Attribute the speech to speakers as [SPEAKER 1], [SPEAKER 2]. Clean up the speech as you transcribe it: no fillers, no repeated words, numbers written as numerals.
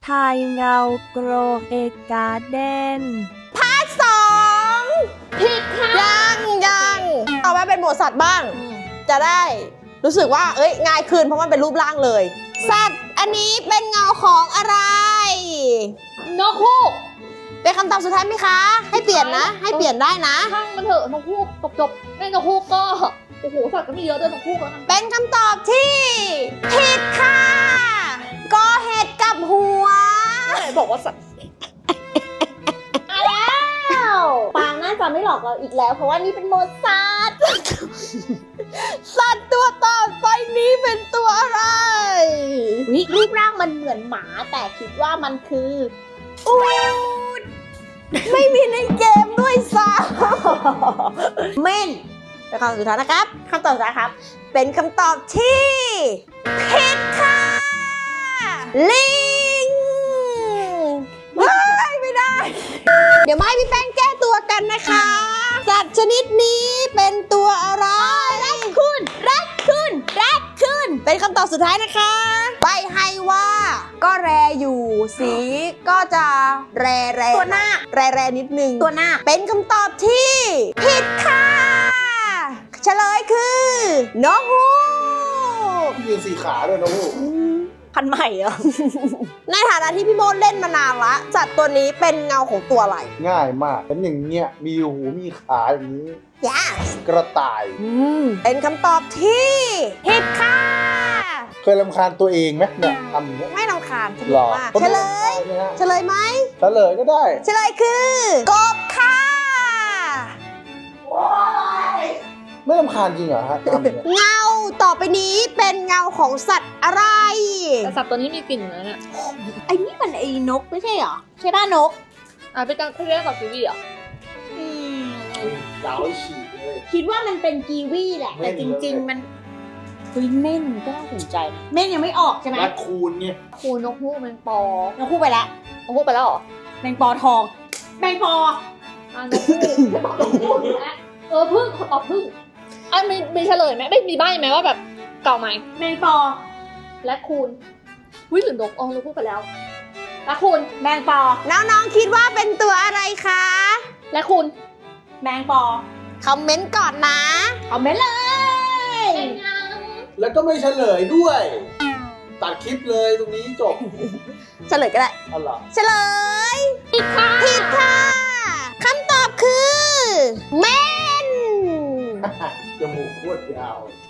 [SPEAKER 1] ทายเงาโกรเอการ์เด้น
[SPEAKER 2] สองผิดค่ะยังต่อมาเป็นหมวดสัตว์บ้าง จะได้รู้สึกว่าง่ายขึ้นเพราะมันเป็นรูปร่างเลย สัตว์อันนี้เป็นเงาของอะไร
[SPEAKER 3] นกฮูก
[SPEAKER 2] เป็นคำตอบสุดท้ายไหมคะ ให้เปลี่ยนนะ ให้เปลี่ยนได้นะ
[SPEAKER 3] ช่างมันเถอะนกฮูกจบไม่นกฮูกก็โอ้โหสัตว์ก็มีเยอะด้วยนกฮูกแล้วกัน
[SPEAKER 2] เป็นคำตอบที่ผิดค่ะกอเห็ดกับหัว
[SPEAKER 3] ไหนบอกว่าสัตว์
[SPEAKER 2] ปางน่าจะไม่หลอกเราอีกแล้ว เพราะว่านี่เป็นโมซัส สัตว์ตัวต่อไปนี้เป็นตัวอะไร
[SPEAKER 4] รูปร่างมันเหมือนหมาแต่คิดว่ามันคือ
[SPEAKER 2] อูฐไม่มีในเกมด้วยซ้ำเม่นเป็นคำตอบสุดท้ายนะครับคำตอบสุดท้ายครับ เป็นคำตอบที่ผิดค่ะลิงไม่ได้ เดี๋ยวมาให้พี่แป้งแก้ตัวกันนะคะ สัตว์ชนิดนี้เป็นตัวอะไรแรคคูนเป็นคำตอบสุดท้ายนะคะใบให้ว่าก็แรอยู่สีก็จะแร
[SPEAKER 4] ตัวหน้า
[SPEAKER 2] แรนิดนึง
[SPEAKER 4] ตัวหน้า
[SPEAKER 2] เป็นคำตอบที่ผิดค่ะเฉลยคือนกฮูก
[SPEAKER 5] ยืนสี่ขาด้วยนะฮูก
[SPEAKER 4] พันใหม่เหรอ
[SPEAKER 2] ในฐานะที่พี่โมดเล่นมานานละสัตว์ตัวนี้เป็นเงาของตัวอะไร
[SPEAKER 5] ง่ายมากเป็นอย่างเงี้ยมีหูมีขาอย่างนี้
[SPEAKER 2] yes
[SPEAKER 5] กระต่าย
[SPEAKER 2] เป็นคำตอบที่ผิดค่ะ
[SPEAKER 5] เคยรำคาญตัวเองไหมเนี่ยทำอย่างเงี้ย
[SPEAKER 2] ไม่รำคาญส
[SPEAKER 5] หร
[SPEAKER 2] นุก
[SPEAKER 5] อ
[SPEAKER 2] มาก
[SPEAKER 5] คน
[SPEAKER 2] เฉลย
[SPEAKER 5] รำคาญไหมฮะ
[SPEAKER 2] เฉลยไหม
[SPEAKER 5] เฉลยก็ได้
[SPEAKER 2] เฉลยคือกบค่ะ
[SPEAKER 5] ไม่รำคาญจริงเหรอฮะทำอย่างเงี้ย
[SPEAKER 2] เงาต่อไปนี้เป็นเงาของสัตว์อะไร
[SPEAKER 3] แต่สัตว์ตัวนี้มีกลิ่นอยู่นะเนี่ย
[SPEAKER 4] ไอ้นี่มันไอ้นกไม่ใช่เหรอ ใช่ป่ะนก
[SPEAKER 3] เป็นการเรียกกับกีวีเหรอ
[SPEAKER 5] ยาวไอ้ฉีกเลย
[SPEAKER 4] คิดว่ามันเป็นกีวีแหละ
[SPEAKER 5] เม่
[SPEAKER 4] แต่
[SPEAKER 5] น
[SPEAKER 4] จ
[SPEAKER 5] เลย
[SPEAKER 4] ริง ๆ มันเฮ้ยเม่นก็น่าสนใจนะเม่นยังไม่ออกใช่ไหม
[SPEAKER 5] แรคคูนเนี่ย
[SPEAKER 3] คูนกฮูกแมงปอน
[SPEAKER 4] กคู่ไปแล้ว
[SPEAKER 3] นกฮูกไปแล้วเหรอ
[SPEAKER 4] แมงปอทองแมงปอ
[SPEAKER 3] นกฮูกไม่ตอบนกฮูกนะพึ่งขอตอบพึ่งมีเฉลยไหมไม่มีใบ้ไหมว่าแบบเก่าไหม
[SPEAKER 4] แมงปอ
[SPEAKER 3] และคูนหรือนกนกฮูกไปแล้วและคูน
[SPEAKER 4] แมงปอ
[SPEAKER 2] น้องๆคิดว่าเป็นตัวอะไรคะ
[SPEAKER 3] และคูน
[SPEAKER 4] แมงปอ
[SPEAKER 2] คอมเมนต์ก่อนนะ
[SPEAKER 4] เอาเม่นเลย
[SPEAKER 3] เป็นยัง
[SPEAKER 5] แล้วก็ไม่เฉลยด้วย ตัดคลิปเลยตรงนี้จบ
[SPEAKER 2] เฉลยก็ได้
[SPEAKER 5] อ๋อเหรอ
[SPEAKER 2] เฉลยผิดค่ะคำตอบคือเม่น
[SPEAKER 5] จมูกโคตรยาว